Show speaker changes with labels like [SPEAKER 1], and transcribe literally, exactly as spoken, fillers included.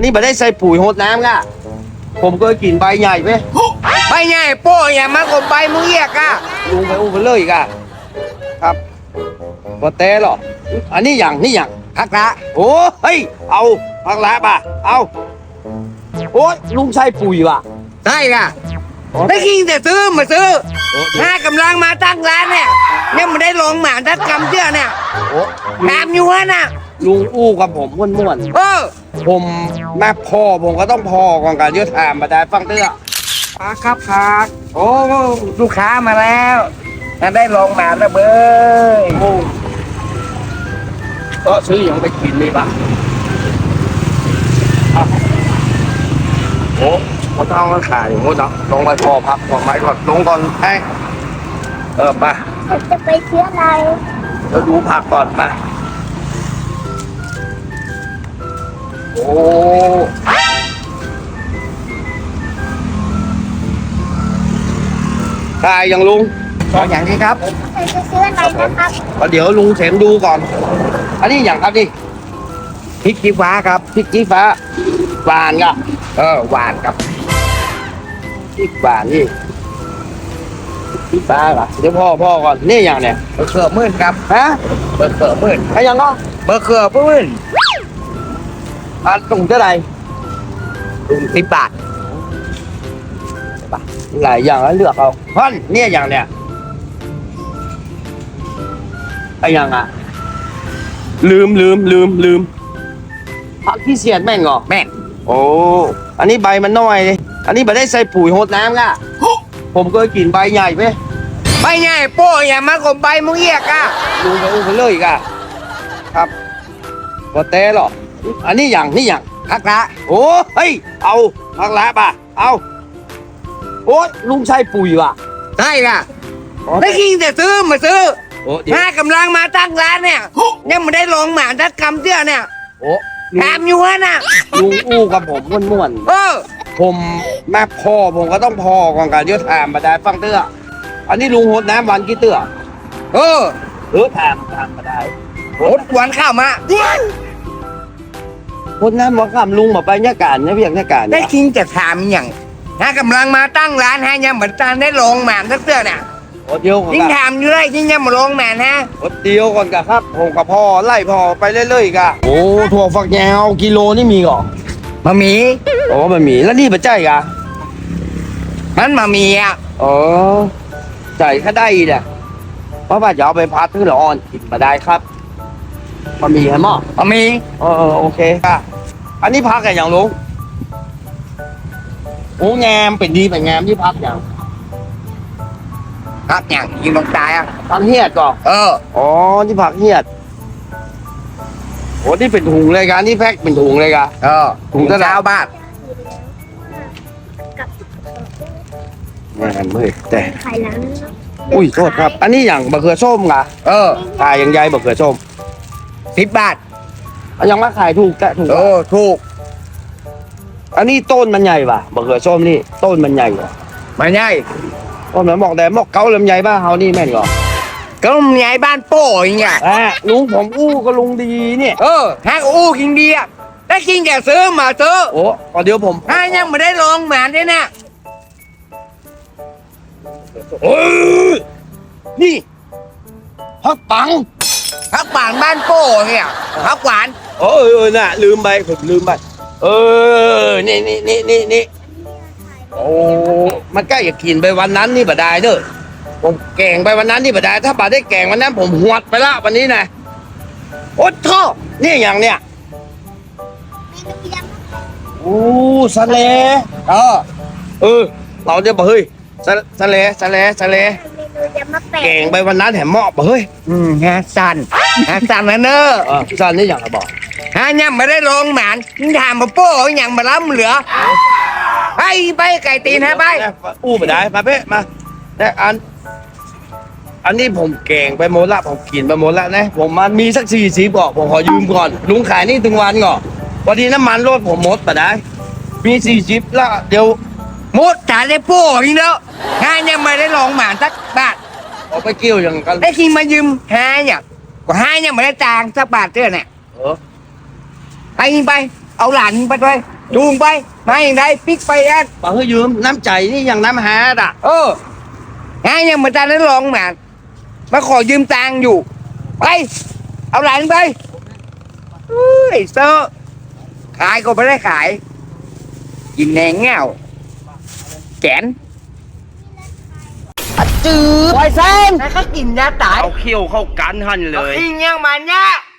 [SPEAKER 1] นนี้ไม่ได้ใส่ปุ๋ยโหดน้ำก่ะผมก็กินใบใหญ่ไป
[SPEAKER 2] ใบใหญ่โป้อย่ามากบใบมึงเอียกอะ
[SPEAKER 1] ลุงไปอู้ไปเลยอีกอะครับบ่เต้หรออันนี้อย่างนี่อย่าง
[SPEAKER 2] พักละ
[SPEAKER 1] โอ้เฮ้ยเอาพักละป่ะเอาโอ้ยลุงใส่ปุ๋ยว่ะ
[SPEAKER 2] ใช่ค่ะไม่กินแต่ซื้อมาซื้อถ้ากำลังมาตั้งร้านเนี่ยยังไม่ได้ลงหมาทักกำเชื่อเนี่ยแถมอยู่วะน่ะ
[SPEAKER 1] ลุงอู้กับผมม่วนๆ
[SPEAKER 2] เออ
[SPEAKER 1] ผมแม่พ่อผมก็ต้องพอก่อนการเยอะถามมาได้ฟังเตื้อ
[SPEAKER 2] ครับครับครับโอ้ลูกค้ามาแล้วได้ลงหมาแล้วเบ้ย
[SPEAKER 1] โอ้ก็ซื้ออย่างไปกินเลยป่ะโอ้เขาต้องมาขายอย่างงี้เนาะลงไปพอพักก่อนไหมก่อนลงก่อนไอ้เออป่ะ
[SPEAKER 3] จะไปเที่ยวอะไร
[SPEAKER 1] เราดูผักก่อนป่ะโอ้ขายอย่างลุง
[SPEAKER 2] ขออย่างนี้ครับ
[SPEAKER 3] จะซื้ออะไรนะครับ
[SPEAKER 1] เดี๋ยวลุงเสมดูก่อนอันนี้อย่างครับดิ
[SPEAKER 2] พริกชี้ฟ้าครับ
[SPEAKER 1] พริกชี้ฟ้าหวานกับ
[SPEAKER 2] เออหวานครับ
[SPEAKER 1] พริกหวานนี่พริกฟ้าเหรอเดี๋ยวพ่อพ่อก่อนนี่อย่างเนี้ย
[SPEAKER 2] เบอร์เกอร์มื่นครับ
[SPEAKER 1] ฮะ
[SPEAKER 2] เบอร์เกอร์มื่น
[SPEAKER 1] ใครยังก็
[SPEAKER 2] เบอร์เกอร์มื่น
[SPEAKER 1] อ่ะตรงเท่าไหร่
[SPEAKER 2] ถุงสิบบาท
[SPEAKER 1] หลายอย่างแล้วเลือกเอาท่อนเนี่ยอย่างเนี้ยไอ้ยังอ่ะลืมลืมลืมลืมผักขี้เสียดแม่งเหรอ
[SPEAKER 2] แม่ง
[SPEAKER 1] โอ้อันนี้ใบมันน้อยเลยอันนี้ไม่ได้ใส่ปุ๋ยโหดน้ำก่ะผมก็กินใบใหญ่ไป
[SPEAKER 2] ใบใหญ่โป้อย่ามากบใบมึงเอียกอะ
[SPEAKER 1] ลุงไปอู้ไปเลยอีกอะครับบ่เต้หรออันนี้อย่างนี่อย่าง
[SPEAKER 2] พักละ
[SPEAKER 1] โอ้เฮ้ยเอาพักละป่ะเอาโอ้ยลุงใช้ปุ๋ยว่ะ
[SPEAKER 2] ใช่ค่ะไม่กินแต่ซื้อมาซื้อถ้ากำลังมาตั้งร้านเนี่ยยังไม่ได้ลงหมาทักกำเชื่อเนี่ย
[SPEAKER 1] โอ้
[SPEAKER 2] แถมอยู่วะน่ะ
[SPEAKER 1] ลุงอู้กับผมม่วน
[SPEAKER 2] ๆเออ
[SPEAKER 1] ผมแม่พ่อผมก็ต้องพอก่อนการเยอะถามมาได้ฟังเตื้ออันนี้ลุงโหดน้ำวันกี่เตื้อ
[SPEAKER 2] เออ
[SPEAKER 1] เออถามถามมาได้
[SPEAKER 2] โหดวันข้าวมา
[SPEAKER 1] โหดน้ำมาคำลุงมาไปเนี่ยการเนี่ยเพียงเนี่ยการ
[SPEAKER 2] ได้กินจะถามอย่างถ้ากำลังมาตั้งร้านให้ยังเหมือนตานได้ลงหมาทักเชื่อเนี่ย
[SPEAKER 1] โอ้เดียว
[SPEAKER 2] ยิ่งถามอยู่เลยยิ่งยังมาลงหมาฮะ
[SPEAKER 1] โอ้เดียวก่อนกะครับผมกับพ่อไล่พ่อไปเรื่อยๆกะโอ้ถั่วฝักยาวกิโลนี่มีก่อ
[SPEAKER 2] มามี
[SPEAKER 1] โอ้มามีแล้วนี่เป็นใจกะ
[SPEAKER 2] มันมามีอ่ะ
[SPEAKER 1] อ๋อใจแค่ได้เนี่ยเพราะว่าจะเอาไปพัดที่ละอ่อนกินมาได้ครับมามีให้หม้อ
[SPEAKER 2] มามี
[SPEAKER 1] เออโอเคค่ะอันนี้พักกันอย่างลุงโอ้งามเป็นดีเป็นงามที่พักอย่าง
[SPEAKER 2] พักอย่างยิงลงตายอ่ะ
[SPEAKER 1] พักเฮียดก่อน
[SPEAKER 2] เออ
[SPEAKER 1] อ๋อที่พักเฮียดโอ้ที่เป็นถุงเลยกันที่แพ็คเป็นถุงเลยกัน
[SPEAKER 2] เออ
[SPEAKER 1] ถุงเท้า
[SPEAKER 2] บ้าน
[SPEAKER 1] แม่เมื่อยแต่
[SPEAKER 3] ไข่ล้าง
[SPEAKER 1] อุ้ยโทษครับอันนี้อย่างบะเขือส้มกะ
[SPEAKER 2] เออ
[SPEAKER 1] ขายอย่างใหญ่บะเขือส้ม
[SPEAKER 2] สิบบาท
[SPEAKER 1] ยังมาขายถูกแกถูก
[SPEAKER 2] เออถูก
[SPEAKER 1] อันนี้ต้นมันใหญ่ป่ะบะเขือส้มนี่ต้นมันใหญ่กว่า
[SPEAKER 2] ไม่ใหญ่
[SPEAKER 1] ต้นมันบอกแต่บอกเกาลำใหญ่บ้าเฮานี่แม่นก่อ
[SPEAKER 2] ก็ลำใหญ่บ้านโป้อย่างเงี้ย
[SPEAKER 1] อ่ะลุงผมอู้ก็ลุงดีเนี่ย
[SPEAKER 2] เออฮะอู้กินดีอ่ะได้กินแกซื้อมาซื้อ
[SPEAKER 1] โอ้เดี๋ยวผม
[SPEAKER 2] ฮะยังไม่ได้ลงหมาด้วยนะ
[SPEAKER 1] โอ้ยนี่พักปัง
[SPEAKER 2] พักหวานบ้านโป้เนี่ยพักหวาน
[SPEAKER 1] โอ้ยน่ะลืมไปผมลืมไปเออนี่นี่นี่นี่นี่โอ้มันใกล้จะกินไปวันนั้นนี่บ่ได้เด้อผมแกงไปวันนั้นนี่บ่ได้ถ้าบ่ได้แกงวันนั้นผมหวดไปละวันนี้นะโอ้ท่อนี่อย่างเนี้ยโอ้สะเล
[SPEAKER 2] เออ
[SPEAKER 1] เออเราจะบอกเฮ้ยสะสะเลสะเลสะเลแกงไปวันนั้นแถมหม้อบอกเฮ้ย
[SPEAKER 2] อืมฮะสันฮะสันนะเนอะ
[SPEAKER 1] เออสันนี่อย่างไรบอก
[SPEAKER 2] ฮะยังไม่ได้ลงหมานถามมาโป้ยังมาล้ำเหลือไปไปไก่ตีนฮะไป
[SPEAKER 1] อู้ไปได้มาเพ่มาแต่อันอันนี้ผมแกงไปหมดละผมกินไปหมดละนะผมมันมีสักสี่สิบก่อนผมขอยืมก่อนลุงขายนี่ถึงวันก่อนพอดีน้ำมันรถผมหมดไปได้มีสี่สิบละเดี๋ยว
[SPEAKER 2] หมดจ่ายได้โป้อีกแล้วฮะยังไม่ได้ลงหมานสักบาท
[SPEAKER 1] เอาไปเกี่ยวอย่างกัน
[SPEAKER 2] ได้กินมายืมฮะเนี่ยก็ฮะยังไม่ได้จางสักบาทเท่าเนี่ย
[SPEAKER 1] เออ
[SPEAKER 2] ไปยิงไปเอาหลานไปด้วยจูงไปมาอย่างไรปิกไปแอด
[SPEAKER 1] บอกให้ยืมน้ำใจนี่อย่างน้ำหาดอ่ะ
[SPEAKER 2] เออไงยังมาจานนั้นลองมามาขอยืมตังค์อยู่ไปเอาหลานไปเฮ้ยเซอร์ขายก็ไม่ได้ขายกินแหนงเงาแกนจืดไวเซนแล้วก็กินยาตาย
[SPEAKER 1] เอาเขี้ยวเข้ากันหันเลย
[SPEAKER 2] อิงยังมันเนี่ย